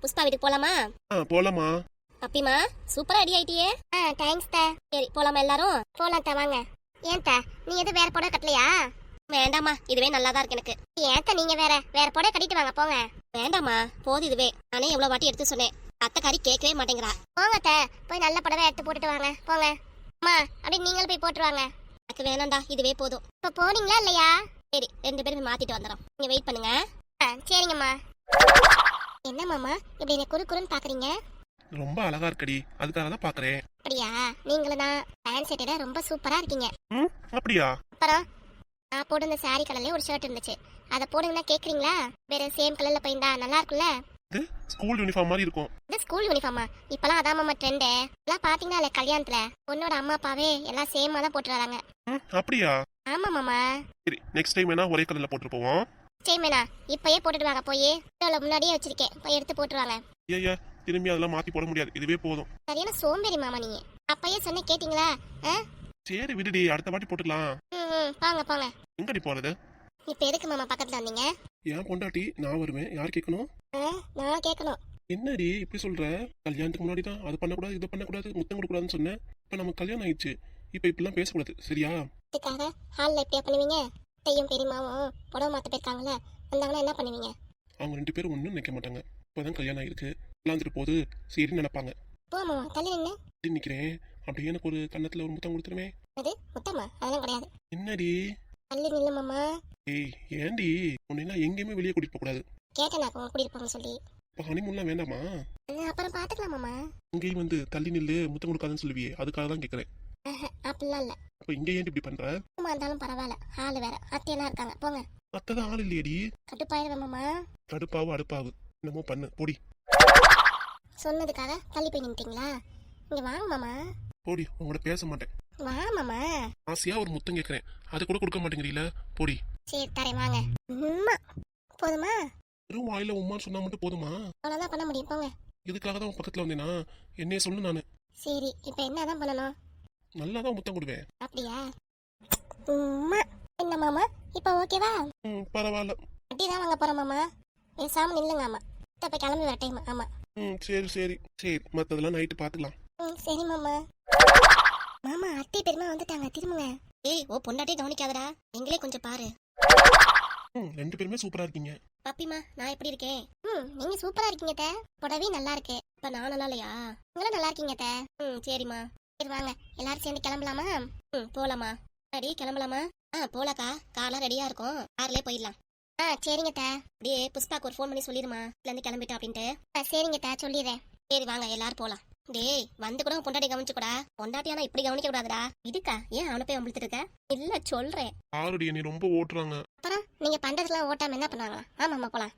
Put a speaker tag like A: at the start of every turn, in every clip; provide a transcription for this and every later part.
A: புஷ்பா வீட்டுக்கு போலாமா?
B: போலாமா.
A: அப்பிமா சூப்பரா ரெடி ஆயிட்டியே.
C: தேங்க்ஸ் தா.
A: சரி போலாமா எல்லாரும்?
C: போலாம் தா வாங்க. ஏன் தா நீ எதுவும் வேற புடவை கட்டலையா?
A: வேண்டாமா, இதுவே நல்லாதான் இருக்கு எனக்கு.
C: ஏன் தா நீங்க வேற புடவை கட்டிட்டு வாங்க போங்க.
A: வேண்டாமா, போது இதுவே. நானே எவ்வளவு வாட்டி எடுத்து சொன்னேன், அத்தைக்காரி கேட்கவே மாட்டேங்கிறா.
C: போங்க தா, போய் நல்ல புடவை எடுத்து போட்டுட்டு வாங்க போங்க. அம்மா அப்படியே நீங்களும் போய் போட்டுருவாங்க.
A: எனக்கு வேணாம்டா, இதுவே போதும்.
C: இப்ப போனீங்களா இல்லையா?
A: சரி, 2 பேரும் மாத்திட்டு வந்துடும். நீங்க வெயிட் பண்ணுங்க.
C: சரிங்கம்மா. என்ன மாமா இப்படி என்ன குறுக்குறுன்னு பாக்குறீங்க?
B: ரொம்ப அழகா இருக்கடி, அதுக்காக தான் பாக்குறேன்.
C: அப்படியா? நீங்களும் தான் பேண்ட் செட்டோட ரொம்ப சூப்பரா இருக்கீங்க.
B: அப்படியா?
C: அப்புறம் நான் போட்டு இந்த சாரி கலர்லயே ஒரு ஷர்ட் இருந்துச்சு, அதை போடுங்கன்னா கேக்குறீங்களா? வேற சேம் கலர்ல போயிருந்தா நல்லா இருக்கும்ல?
B: இது ஸ்கூல் யூனிஃபார்ம் மாதிரி இருக்கும்.
C: இது ஸ்கூல் யூனிஃபார்மா? இப்பெல்லாம் அதான் மாமா ட்ரெண்டு. எல்லாம் பாத்தீங்கன்னா இல்ல கல்யாணத்துல பொண்ணோட அம்மா அப்பாவே எல்லாம் சேமா தான் போட்டு வராங்க.
B: அப்படியா?
C: ஆமா மாமா.
B: சரி, நெக்ஸ்ட் டைம் வேணா ஒரே கலர்ல போட்டு போவோம்.
C: சரிமேனா, இப்பயே போட்டுட்டு வாங்க. போய் முன்னாடியே வச்சிருக்கேன், போய் எடுத்து போட்டுருவாங்க.
B: ஐயா திரும்பி அதெல்லாம் மாத்தி போட முடியாது, இதுவே போதும்.
C: சரியான சோம்பேறி மாமா நீங்க. அப்பயே சொன்ன கேட்டீங்களா?
B: சரி விடுடி, அடுத்த வாட்டி போட்டுக்கலாம்.
C: போங்க போங்க.
B: எங்கடி போறது?
C: இப்ப எதுக்கு மாமா பக்கத்துல வந்தீங்க?
B: ஏன் பொண்டாட்டி நான் வருவேன், யார் கேட்கணும்?
C: நான் கேட்கணும்.
B: என்னடி இப்படி சொல்ற? கல்யாணத்துக்கு முன்னாடி தான் அது பண்ணக்கூடாது இது பண்ணக்கூடாது முத்தம் கொடுக்கூடாதுன்னு சொன்னேன். இப்ப நமக்கு கல்யாணம் ஆயிடுச்சு, இப்ப இப்படிலாம் பேசக்கூடாது சரியா?
C: இதுக்காக ஹால்ல எப்படியா பண்ணுவீங்க? தையும் பெரியமாவும் புடவை மாத்த போயிருக்காங்களே, வந்தாங்கன்னா என்ன பண்ணுவீங்க?
B: அவங்க 2 பேரும் ஒன்றும் நினைக்க மாட்டாங்க. இப்போதான் கல்யாணம் ஆயிருக்கு, விளாந்துட்டு போது சரி நினைப்பாங்க.
C: போ மாமா, தள்ளி நின்று
B: நிக்கிறேன். அப்படியே எனக்கு ஒரு கன்னத்துல ஒரு முத்தம் கொடுத்துருமே.
C: அது முத்தமா? அதெல்லாம் கிடையாது.
B: என்னடி?
C: தள்ளி நில்லு மாமா.
B: ஏய் ஏண்டி, உன்னெல்லாம் எங்கேயுமே வெளியே கூட்டிட்டு போக கூடாது.
C: கேட்டேன் நான் உங்க கூட்டிட்டு போங்க சொல்லி.
B: இப்போ ஹனிமூன்லாம் வேண்டாமா?
C: அப்புறம் பாத்துக்கலாம் மாமா.
B: இங்கேயும் வந்து தள்ளி நில்லு முத்தம் கொடுக்காதுன்னு சொல்லுவியே, அதுக்காக தான் கேட்கறேன்.
C: அப்படிலாம் இல்ல.
B: அப்ப இங்க ஏன் இப்படி பண்ற?
C: சும்மா இருந்தாலும் பரவாயில்ல, ஆளு வேற அத்தையெல்லாம் இருக்காங்க, போங்க.
B: அத்தைதான் ஆள் இல்லையடி.
C: கட்டுப்பாயிருவேன் மாமா.
B: கடுப்பாவு அடுப்பாவு என்னமோ பண்ணு போடி.
C: சொன்னதுக்காக தள்ளி போய் நின்ட்டீங்களா? இங்க வாங்க மாமா.
B: போடி, உங்களோட பேச மாட்டேன்.
C: வா மாமா.
B: ஆசையா ஒரு முத்தம் கேட்கறேன், அது கூட கொடுக்க மாட்டேங்கிறீல, போடி.
C: சரி தரேன் வாங்க. போதுமா?
B: வெறும் வாயில உமான்னு சொன்னா மட்டும் போதுமா?
C: அவ்வளவுதான் பண்ண முடியும், போங்க.
B: இதுக்காக தான் உன் பக்கத்துல வந்தேனா? என்னைய சொல்லு. நானு
C: சரி இப்ப என்னதான் பண்ணணும்?
B: நல்லாதான் முத்தம் கொடுவேன்.
C: அப்படியா? என்ன மாமா இப்ப ஓகேவா?
B: பரவாயில்ல.
C: அப்படிதான் வாங்க போறோம் மாமா. பேசாம நில்லுங்க. ஆமா இப்ப கிளம்பி வர டைம். ஆமா
B: சரி சரி சரி, மத்ததெல்லாம் நைட்டு பாத்துக்கலாம்.
C: சரி மாமா. மாமா அத்தை பெருமா வந்துட்டாங்க, திரும்புங்க.
A: ஏய், ஓ பொண்டாட்டியே கவனிக்காதடா, எங்களே கொஞ்சம் பாரு.
B: 2 பேருமே சூப்பரா இருக்கீங்க.
A: பப்பிமா, நான் எப்படி இருக்கேன்?
C: நீங்க சூப்பரா இருக்கீங்க தே. புடவை நல்லா இருக்கு.
A: இப்ப நான் நல்லா இல்லையா?
C: உங்களும் நல்லா இருக்கீங்க தே.
A: சரிம்மா.
C: சரி வாங்க எல்லாரும் சேர்ந்து கிளம்பலாமா?
A: போலாமா? ரெடி கிளம்பலாமா? போலாக்கா, கார்லாம் ரெடியா இருக்கும், கார்லயே போயிடலாம்.
C: சரிங்க தே.
A: அப்படியே புஷ்பாக்கு ஒரு ஃபோன் பண்ணி சொல்லிருமா, இதுல இருந்து கிளம்பிட்டா அப்படின்ட்டு.
C: சரிங்க தே, சொல்லிடுறேன்.
A: சரி வாங்க எல்லாரும் போலாம். டேய், வந்து கூட பொண்டாட்டி கவனிச்சுக்கூடா. பொண்டாட்டி ஆனா இப்படி கவனிக்க கூடாதுடா. இதுக்கா ஏன் அவனை போய் அம்பிழுத்துட்டு இருக்க? இல்ல சொல்றேன்.
B: ஆல்ரெடி என்னை ரொம்ப ஓட்டுறாங்க.
C: அப்புறம் நீங்க பண்றதுலாம் ஓட்டாம என்ன பண்ணுவாங்களா? ஆமாம்மா போலாம்.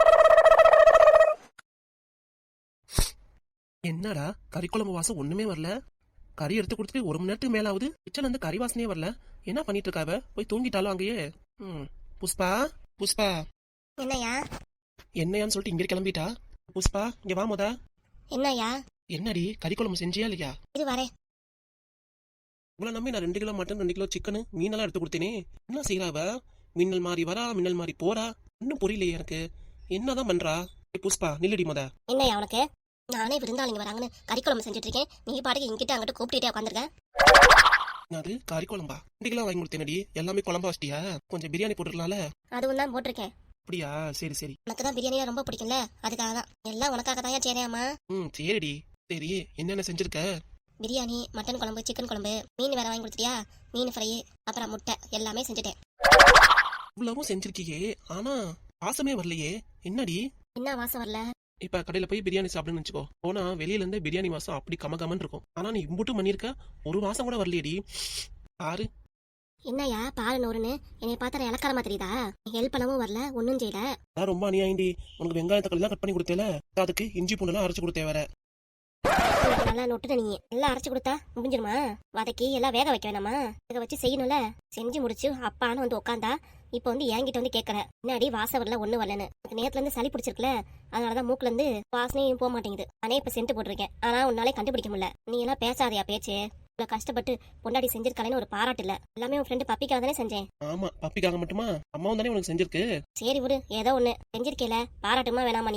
D: என்னடா கறி குழம்பு வாசம் ஒண்ணுமே வரல? கறி எடுத்து கொடுத்துட்டு 1 மணி நேரத்துக்கு மேல ஆகுது, கிச்சன்ல இருந்து கறி வாசனையே வரல. என்ன பண்ணிட்டு இருக்காவ? போய் தூங்கிட்டாலும் அங்கேயே. புஷ்பா புஷ்பா.
A: என்னையா?
D: என்னையான்னு சொல்லிட்டு இங்கே கிளம்பிட்டா. புஷ்பா இங்க வா முத.
A: என்னையா?
D: என்னடி கறி குழம்பு செஞ்சியா இல்லையா?
A: இது வரேன்.
D: இவ்வளவு நம்பி நான் 2 கிலோ மட்டன் 2 கிலோ சிக்கனு மீனெல்லாம் எடுத்து கொடுத்தேனே, என்ன செய்யறாவ? மின்னல் மாறி வரா, மின்னல் மாறி போறா, இன்னும் புரியலையே எனக்கு. என்னதான் பண்றா? புஷ்பா நில்லடி முத.
A: என்னையா உனக்கு? நானே விருந்தாளிங்க வராங்கன்னு கறி குழம்பு செஞ்சுட்டு இருக்கேன், நீ பாட்டுக்கு இங்கிட்ட அங்கிட்ட கூப்பிட்டுட்டே உட்காந்துருக்க.
D: அது கறி குழம்பா? 2 கிலோ வாங்கி கொடுத்தேனடி, எல்லாமே குழம்பா வச்சிட்டியா? கொஞ்சம் பிரியாணி போட்டுருக்கலாம்ல?
A: அதுவும் தான் போட்டிருக்கேன்.
D: அப்படியா? சரி சரி.
A: உனக்கு தான் பிரியாணியா ரொம்ப பிடிக்கும்ல, அதுக்காக தான். எல்லாம் உனக்காக தான் சரியாமா?
D: சரிடி. சரி என்னென்ன செஞ்சிருக்க?
A: பிரியாணி, மட்டன் குழம்பு, சிக்கன் குழம்பு, மீன் வேற வாங்கி கொடுத்துட்டியா? மீன் ஃப்ரை, அப்புறம் முட்டை எல்லாமே செஞ்சுட்டேன்.
D: இவ்வளவும் செஞ்சிருக்கியே, ஆனா வாசமே வரலையே, என்னடி?
A: என்ன வாசம் வரல?
D: இப்ப கடையில போய் பிரியாணி சாப்பிடுன்னு வச்சுக்கோ, போனா வெளியில இருந்து பிரியாணி வாசம் அப்படி கமகமன்னு இருக்கும். ஆனா நீ இம்புட்டும் பண்ணிருக்க, ஒரு வாசம் கூட வரலையடி. பாரு.
A: என்னையா பாரு நூறுன்னு என்னைய பார்த்தா இலக்காரமா தெரியுதா? ஹெல்ப் பண்ணவும் வரல, ஒன்னும் செய்யல.
D: அதான் ரொம்ப அநியாயண்டி. உனக்கு வெங்காய தக்காளி எல்லாம் கட் பண்ணி கொடுத்தேல, அதுக்கு இஞ்சி பூண்டெல்லாம் அரைச்சு கொடுத்தே வேற.
A: நல்லா நொட்டுட்ட நீ. எல்லாம் அரைச்சு கொடுத்தா முடிஞ்சிருமா? வதக்கி எல்லாம் வேக வைக்க வேணாமா? வேக வச்சு செய்யணும்ல. செஞ்சு முடிச்சு அப்பான்னு வந்து உட்காந்தா இப்ப வந்து என்கிட்ட வந்து கேட்கற, முன்னாடி வாசம் வரல ஒண்ணு வரலன்னு. நேரத்துல இருந்து சளி பிடிச்சிருக்குல, அதனாலதான் மூக்குல இருந்து வாசனையும் போக மாட்டேங்குது. நானே இப்ப சென்ட் போட்டிருக்கேன், ஆனா உன்னாலே கண்டுபிடிக்க முடியல. நீ எல்லாம் பேசாதையா பேச்சு. இவ்வளவு கஷ்டப்பட்டு பொண்டாடி செஞ்சிருக்காளேன்னு ஒரு பாராட்டு இல்ல. எல்லாமே உன் ஃப்ரெண்டு பப்பிக்காக தானே செஞ்சேன்.
D: ஆமா, பப்பிக்காக மட்டுமா? அம்மாவும் தானே உனக்கு செஞ்சிருக்கு.
A: சரி விடு, ஏதோ ஒண்ணு செஞ்சிருக்கேல, பாராட்டுமா வேணாமா? நீயே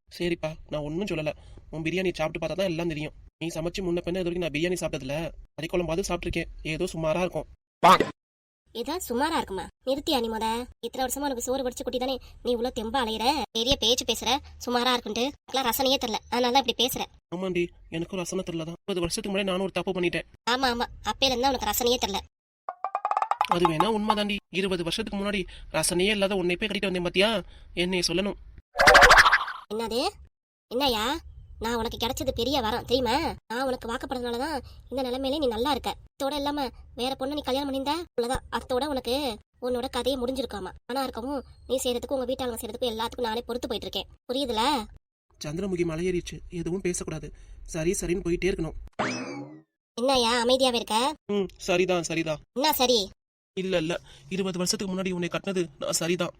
D: சரிப்பா, நான் ஒன்றும் சொல்லலை. உன் பிரியாணி சாப்பிட்டு பார்த்தா தான் எல்லாம் தெரியும். நீ சமைச்சு முன்ன பின்ன இது வரைக்கும் நான் பிரியாணி சாப்பிட்டதில்ல. கறிக்குழம்பாவது சாப்பிட்ருக்கேன், ஏதோ சுமாரா இருக்கும்.
A: ஏதாவது சுமாரா இருக்குமா? நிறுத்தியா நீ முத? இத்தனை வருஷமா உனக்கு சோறு வடிச்சு குட்டி தானே நீ இவ்வளவு தெம்பா அலையிற. பெரிய பேச்சு பேசுற, சுமாரா இருக்குன்ட்டு. எனக்குலாம் ரசனையே தெரியல, அதனால தான் இப்படி பேசுற.
D: ஆமாண்டி, எனக்கும் ரசனை தெரியல தான். 20 வருஷத்துக்கு முன்னாடி நானும் ஒரு தப்பு பண்ணிட்டேன்.
A: ஆமா ஆமா, அப்பையில இருந்தா உனக்கு ரசனையே தெரியல.
D: அது வேணா உண்மைதாண்டி. 20 வருஷத்துக்கு முன்னாடி ரசனையே இல்லாத உன்னை போய் கட்டிட்டு வந்தேன் பாத்தியா? என்னை சொல்லணும்.
A: என்னது? என்னய்யா? நான் உனக்கு கிடைச்சது பெரிய வரம் தெரியுமா? நான் உனக்கு வாக்கப்படுறதுனாலதான் இந்த நிலைமையில நீ நல்லா இருக்க. அத்தோட இல்லாம வேற பொண்ணு நீ கல்யாணம் பண்ணியிருந்தா அவ்வளவுதான், அத்தோட உனக்கு உன்னோட கதையை முடிஞ்சிருக்காமா. ஆனா இருக்கவும் நீ செய்யறதுக்கும் உங்க வீட்டாளங்க செய்யறதுக்கும் எல்லாத்துக்கும் நானே பொறுத்து போயிட்டு இருக்கேன். புரியுதுல?
D: சந்திரமுகி மலையேறிச்சு, எதுவும் பேசக்கூடாது. சரி சரின்னு போயிட்டே இருக்கணும்.
A: என்னய்யா அமைதியாவே இருக்க?
D: சரிதான் சரிதான்.
A: என்ன சரி?
D: இல்ல இல்ல, 20 வருஷத்துக்கு முன்னாடி உன்னை கட்டினது நான் சரிதான்.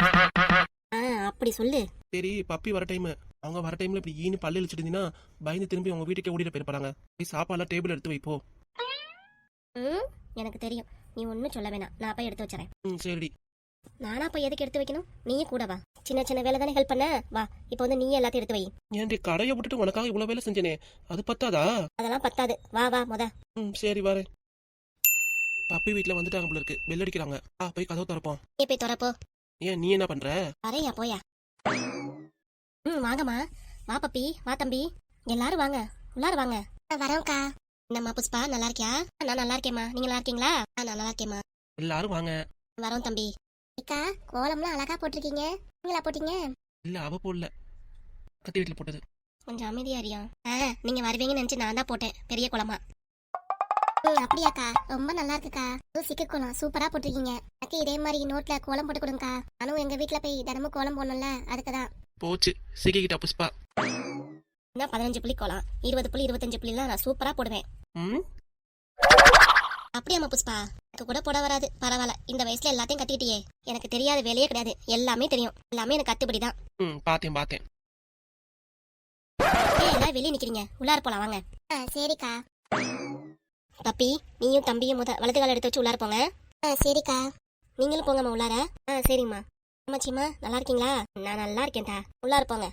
A: அப்படி சொல்லு.
D: சரி, பப்பி வர டைம். அவங்க வர டைம்ல இப்படி ஈனு பல்லு இழிச்சிருந்தீங்கன்னா பயந்து திரும்பி அவங்க வீட்டுக்கே ஓடிட்டு போயிருப்பாங்க. போய் சாப்பாடுலாம் டேபிள் எடுத்து வைப்போ.
A: எனக்கு தெரியும், நீ ஒன்னும் சொல்ல வேணாம், நான் போய் எடுத்து வச்சுறேன்.
D: சரி.
A: நானா போய் எதுக்கு எடுத்து வைக்கணும்? நீயும் கூட வா. சின்ன சின்ன வேலை தானே ஹெல்ப் பண்ண, வா. இப்போ வந்து நீயே எல்லாத்தையும் எடுத்து வை.
D: ஏன்டி கடையை விட்டுட்டு உனக்காக இவ்வளவு வேலை செஞ்சேனே, அது பத்தாதா?
A: அதெல்லாம் பத்தாது, வா வா முத.
D: சரி வரேன். பப்பி வீட்டுல வந்துட்டாங்க போல இருக்கு, பெல் அடிக்கிறாங்க. போய் கதவு திறப்போம்.
A: நீ போய் திறப்போ.
D: ஏன் நீ என்ன பண்ற?
A: வரையா போயா. வாங்கம்மா, வா பப்பி, வா தம்பி, எல்லாரும் வாங்க, உள்ளார வாங்க.
C: வரோம்க்கா.
A: என்னம்மா புஷ்பா, நல்லா இருக்கியா? நான் நல்லா இருக்கேம்மா, நீங்க நல்லா இருக்கீங்களா? நான் நல்லா இருக்கேம்மா.
D: எல்லாரும் வாங்க.
A: வரோம் தம்பி.
C: அக்கா, கோலம்லாம் அழகா போட்டிருக்கீங்க. நீங்களா போட்டீங்க?
D: இல்ல, அவ போடல, பக்கத்து வீட்டுல போட்டது.
A: கொஞ்சம் அமைதியா அறியா. நீங்க வருவீங்கன்னு நினைச்சு நான் தான் போட்டேன், பெரிய குளமா.
C: அப்படியாக்கா, ரொம்ப நல்லா இருக்குக்கா. சிக்கு கோலம் சூப்பரா போட்டிருக்கீங்க. எனக்கு இதே மாதிரி நோட்ல கோலம் போட்டு கொடுங்கக்கா. நானும் எங்க வீட்டுல போய் தினமும் கோலம் போடணும்ல, அதுக்குதான்.
D: போச்சு, சிக்கிக்கிட்டா புஷ்பா.
A: என்ன 15 புள்ளி கோலம், 20 புள்ளி 25 புள்ளிலாம் நான் சூப்பரா போடுவேன். அப்படியாம்மா புஷ்பா? எனக்கு கூட போட வராது, பரவாயில்ல. இந்த வயசுல எல்லாத்தையும் கட்டிக்கிட்டியே. எனக்கு தெரியாத வேலையே கிடையாது, எல்லாமே தெரியும். எல்லாமே எனக்கு கத்துப்படிதான்.
D: பாத்தேன்.
A: எல்லாரும் வெளியே நிக்கிறீங்க, உள்ளார போலாம் வாங்க.
C: சரிக்கா.
A: பப்பி, நீயும் தம்பியும் வலது கால எடுத்து வச்சு உள்ளார போங்க.
C: சரிக்கா.
A: நீங்களும் போங்கம்மா உள்ளார. சரிம்மா. அம்மாச்சிம்மா நல்லா இருக்கீங்களா? நான் நல்லா இருக்கேன்டா, உள்ளார போங்க.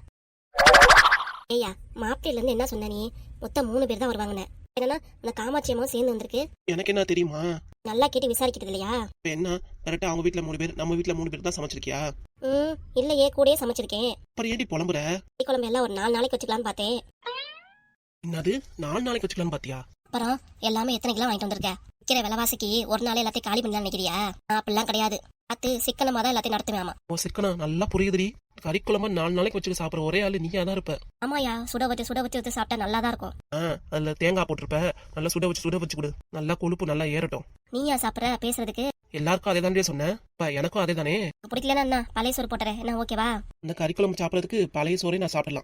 A: ஏய்யா, மாப்பிள்ளையில இருந்து என்ன சொன்ன நீ? மொத்தம் 3 பேர் தான் வருவாங்கன்னு. என்னன்னா அந்த காமாட்சி அம்மாவும் சேர்ந்து வந்திருக்கு.
D: எனக்கு என்ன தெரியுமா?
A: நல்லா கேட்டு விசாரிக்கிறது இல்லையா?
D: என்ன கரெக்டா அவங்க வீட்டுல 3 பேர், நம்ம வீட்டுல 3 பேர் தான் சமைச்சிருக்கியா?
A: இல்லையே, கூடயே சமைச்சிருக்கேன்.
D: அப்புறம் ஏடி புலம்புற?
A: குழம்பு எல்லாம் ஒரு 4 நாளைக்கு வச்சுக்கலான்னு பார்த்தேன்.
D: என்னது 4 நாளைக்கு வச்சுக்கலான்னு பாத்தியா?
A: அப்புறம் எல்லாமே எத்தனை கிலோ வாங்கிட்டு வந்திருக்க? விற்கிற விலைவாசிக்கு ஒரு நாள் எல்லாத்தையும் காலி பண்ணலாம் நினைக்கிறியா? அப்படிலாம் கிடையாது. அது சிக்கனமா தான் எல்லாத்தையும் நடத்துவேன்.
D: ஓ சிக்கனா, நல்லா புரியுதுடி. கறிக்குழம்பா 4 நாளைக்கு வச்சு சாப்பிடுற ஒரே ஆளு நீயா தான் இருப்ப.
A: ஆமாயா, சுட வச்சு சாப்பிட்டா நல்லா தான் இருக்கும்.
D: அதுல தேங்காய் போட்டிருப்ப, நல்லா சுட வச்சு கொடு. நல்லா கொழுப்பு நல்லா ஏறட்டும்.
A: நீயா சாப்பிட்ற பேசுறதுக்கு?
D: எல்லாருக்கும் அதே தானே சொன்னேன், எனக்கும் அதே தானே.
A: பிடிக்கலன்னா என்ன, பழைய சோறு போட்டுறேன், என்ன ஓகேவா?
D: இந்த கறிக்குழம்பு சாப்பிடறதுக்கு பழைய சோறே நான் சாப்பிடலாம்.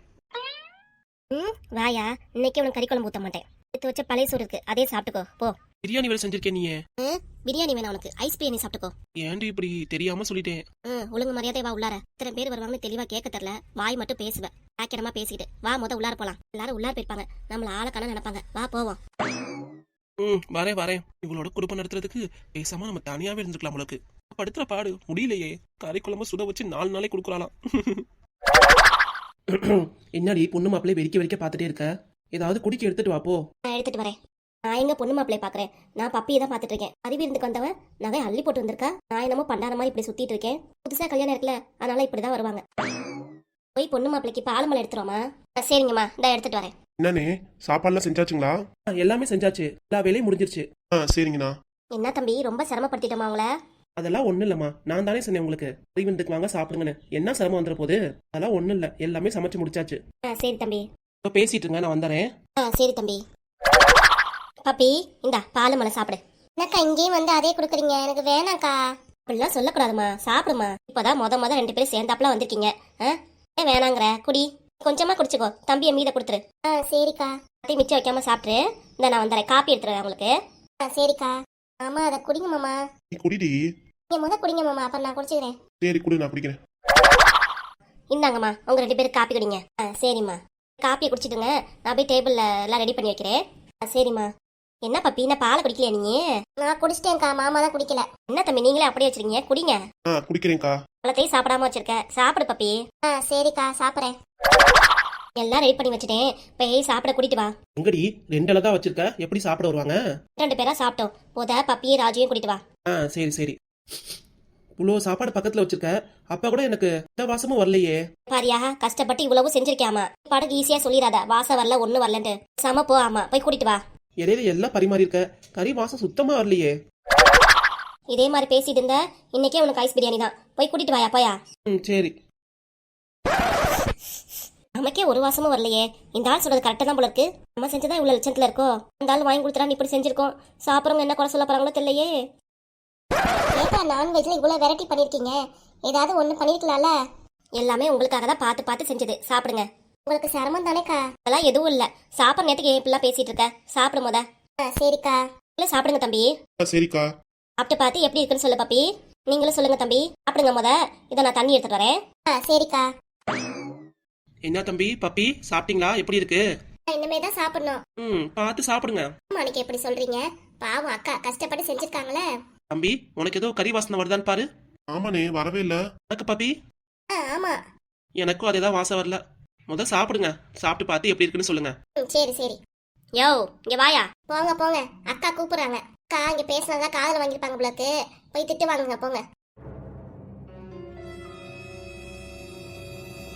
A: வாயா, இன்னைக்கு உனக்கு கறிக்குழம்பு ஊத்த மாட்டேன். எடுத்து வச்ச பழைய சோறு இருக்கு, அதே சாப்பிட்டுக்கோ போ.
D: பிரியாணி வேலை செஞ்சிருக்கேன் நீ.
A: பிரியாணி வேணா உனக்கு, ஐஸ் பிரியாணி சாப்பிட்டுக்கோ.
D: ஏன்டி இப்படி தெரியாம சொல்லிட்டேன்?
A: ஒழுங்கு மரியாதை வா உள்ளார. இத்தனை பேர் வருவாங்கன்னு தெளிவா கேட்க தெரியல, வாய் மட்டும் பேசுவேன். ஆக்கிரமா பேசிக்கிட்டு வா, உள்ளார போலாம். எல்லாரும் உள்ளார போயிருப்பாங்க, நம்மள ஆளக்கான நினைப்பாங்க. வா போவோம்.
D: வரேன். இவளோட குடும்பம் நடத்துறதுக்கு பேசாம நம்ம தனியாவே இருந்துக்கலாம். உங்களுக்கு படுத்துற பாடு முடியலையே. கறிக்குழம்பு சுட வச்சு 4 நாளைக்கு கொடுக்குறாளாம். என்னடி பொண்ணு மாப்பிள்ளை வெறிக்க பாத்துட்டே இருக்க? ஏதாவது குடிக்க எடுத்துட்டு வா போ.
A: நான் எடுத்துட்டு வரேன். நான் எங்க பொண்ணு மாப்பிள்ளைய பாக்குறேன், நான் பப்பியை தான் பாத்துட்டு இருக்கேன். அறிவிருந்துக்கு வந்தவன் நகை அள்ளி போட்டு வந்திருக்கா. நான் என்னமோ பண்டார மாதிரி இப்படி சுத்திட்டு இருக்கேன். புதுசா கல்யாணம் இருக்குல்ல, அதனால இப்படிதான் வருவாங்க. போய் பொண்ணு மாப்பிள்ளைக்கு பாலமலை எடுத்துருவோமா? சரிங்கம்மா, இதான் எடுத்துட்டு வரேன்.
B: என்னண்ணே, சாப்பாடுலாம் செஞ்சாச்சுங்களா?
D: எல்லாமே செஞ்சாச்சு, எல்லா வேலையும் முடிஞ்சிருச்சு.
B: சரிங்கண்ணா.
A: என்ன தம்பி, ரொம்ப சிரமப்படுத்திட்டோமா உங்கள?
D: அதெல்லாம் ஒண்ணு இல்லம்மா, நான் தானே சொன்னேன் உங்களுக்கு அறிவிருந்துக்கு வாங்க சாப்பிடுங்கன்னு. என்ன சிரமம் வந்துற போது? அதெல்லாம் ஒண்ணு இல்ல, எல்லாமே சமைச்சு முடிச்சாச்சு.
A: சரி தம்பி,
D: பேசிட்டு இருங்க, நான் வந்துறேன்.
A: சரி தம்பி. பப்பி, இந்தா பாலமலை சாப்பிடு.
C: என்னக்கா இங்கேயும் வந்து அதே கொடுக்குறீங்க? எனக்கு வேணாக்கா.
A: அப்படிலாம் சொல்லக்கூடாதுமா, சாப்பிடுமா. இப்பதான் முத 2 பேரும் சேர்ந்தாப்புல வந்திருக்கீங்க. ஏன் வேணாங்கிற? குடி, கொஞ்சமா குடிச்சுக்கோ. தம்பியை மீத கொடுத்துரு.
C: சரிக்கா.
A: அதையும் மிச்சம் வைக்காம சாப்பிட்டு இந்த நான் வந்துடுறேன். காப்பி எடுத்துறேன் உங்களுக்கு.
C: சரிக்கா. மாமா அதை குடிங்க மாமா.
B: நீ குடிடி.
C: நீங்க குடிங்க மாமா, அப்புறம் நான் குடிச்சுக்கிறேன்.
B: சரி குடி, நான் குடிக்கிறேன்.
A: இந்தாங்கம்மா, உங்க 2 பேரும் காப்பி குடிங்க. சரிம்மா, காப்பியை குடிச்சிட்டுங்க. நான் போய் டேபிள்ல எல்லாம் ரெடி பண்ணி வைக்கிறேன். சரிம்மா. என்ன பப்பி என்ன பாலை குடிக்கலையா நீ?
C: நான் குடிச்சிட்டேன்க்கா, மாமா தான் குடிக்கல.
A: என்ன தம்பி நீங்களே அப்படியே வச்சிருக்கீங்க, குடிங்க.
B: குடிக்கிறேன்க்கா.
A: பழத்தையும் சாப்பிடாம வச்சிருக்க, சாப்பிடு பப்பி.
C: சரிக்கா, சாப்பிட்றேன்.
A: எல்லாம் ரெடி பண்ணி வச்சுட்டேன், போய் சாப்பிட கூட்டிட்டு வா.
D: எங்கடி 2 இலை தான் வச்சிருக்க, எப்படி சாப்பிட வருவாங்க?
A: 2 பேரா சாப்பிட்டோம், போத பப்பியும் ராஜையும் கூட்டிட்டு வா.
D: சரி சரி. இவ்வளோ சாப்பாடு பக்கத்துல வச்சிருக்க, அப்பா கூட எனக்கு எந்த வாசமும் வரலையே.
A: பாரியா, கஷ்டப்பட்டு இவ்வளவு செஞ்சிருக்கியாமா, பாடக்கு ஈஸியா சொல்லிடாத வாசம் வரல ஒண்ணு வரலன்ட்டு. சம போ, ஆமா போய் கூட்டிட்டு வா.
D: இடையில எல்லாம் பரிமாறி இருக்க, கறி வாசம் சுத்தமா வரலையே.
A: இதே மாதிரி பேசிட்டு இருந்த இன்னைக்கே உனக்கு ஐஸ் பிரியாணி தான், போய் கூட்டிட்டு வாயா போயா.
D: சரி.
A: நமக்கே ஒரு வாசமும் வரலையே, இந்த ஆள் சொல்றது கரெக்டா தான் போல இருக்கு. நம்ம செஞ்சதான் இவ்வளவு லட்சத்துல இருக்கோ, இந்த ஆள் வாங்கி கொடுத்துறான்னு இப்படி செஞ்சிருக்கோம். சாப்பிட்றவங்க என்ன குறை சொல்ல போறாங்களோ தெரியலையே.
C: ஏக்கா, நான்வெஜ்ல இவ்வளவு வெரைட்டி பண்ணிருக்கீங்க, ஏதாவது ஒண்ணு பண்ணிருக்கலாம்ல.
A: எல்லாமே உங்களுக்காக தான் பார்த்து பார்த்து செஞ்சது, சாப்பிடுங்க.
C: உங்களுக்கு சிரமம் தானேக்கா?
A: அதெல்லாம் எதுவும் இல்ல, சாப்பிட்ற நேரத்துக்கு ஏன் இப்படிலாம் பேசிட்டு இருக்க, சாப்பிடும் போத.
C: சரிக்கா.
A: இல்ல சாப்பிடுங்க தம்பி.
B: சரிக்கா.
A: சாப்பிட்டு பார்த்து எப்படி இருக்குன்னு சொல்லு பப்பி. நீங்களும் சொல்லுங்க தம்பி, சாப்பிடுங்க முத. இதை நான் தண்ணி எடுத்துட்டு வரேன்.
C: சரிக்கா.
D: என்ன தம்பி பப்பி, சாப்பிட்டீங்களா? எப்படி இருக்கு?
C: இனிமே தான் சாப்பிடணும்.
D: பார்த்து சாப்பிடுங்க.
C: அன்னைக்கு எப்படி சொல்றீங்க? பாவம் அக்கா கஷ்டப்பட்டு செஞ்சிருக்காங்களே.
D: தம்பி, உனக்கு ஏதோ கறி வாசனை வருதான்னு பாரு.
B: ஆமாண்ணே, வரவே இல்ல.
D: எனக்கு பப்பி,
C: ஆமா.
D: எனக்கும் அதேதான் வாசம் வரல. முத சாப்பிடுங்க, சாப்பிட்டு பார்த்து எப்படி இருக்குன்னு சொல்லுங்க.
C: சரி சரி.
A: யோ இங்க வாயா.
C: போங்க போங்க, அக்கா கூப்பிடுறாங்க. அக்கா இங்க பேசினதா காதல வாங்கிருப்பாங்க போலக்கு, போய் திட்டு வாங்குங்க போங்க.